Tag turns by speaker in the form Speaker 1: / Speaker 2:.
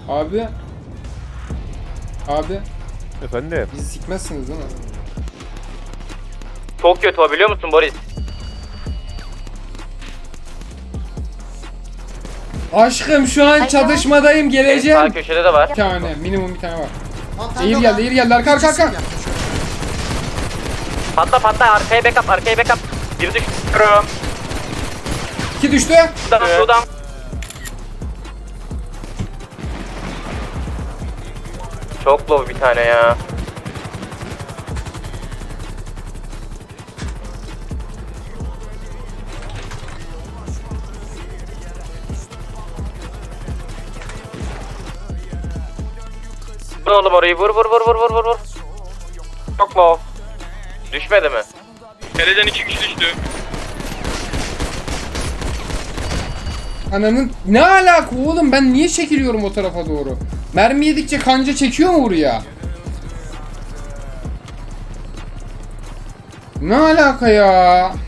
Speaker 1: Abi. Abi.
Speaker 2: Efendim.
Speaker 1: Bizi sikmezsiniz değil mi?
Speaker 3: Çok kötü o, biliyor musun Boris?
Speaker 1: Aşkım şu an çatışmadayım,
Speaker 3: Sağ
Speaker 1: geleceğim.
Speaker 3: köşede de var.
Speaker 1: Bir tane, minimum bir tane var.
Speaker 4: Mantar
Speaker 1: Eğir
Speaker 4: yok
Speaker 1: geldi,
Speaker 4: ha.
Speaker 1: eğir geldi. Arka arka arka.
Speaker 4: Çizgi yaptı şu an.
Speaker 3: Patla arkaya backup, arkaya backup. Bir düşüyorum.
Speaker 1: 2 düştü.
Speaker 3: Şuradan. Çok low bir tane ya. Vur oğlum orayı, vur. Çok low. Düşmedi mi?
Speaker 5: Kaleden 2 kişi düştü.
Speaker 1: Ananın ne alaka oğlum, ben niye çekiliyorum o tarafa doğru? Mermi yedikçe kanca çekiyor mu buraya? Ne alaka ya?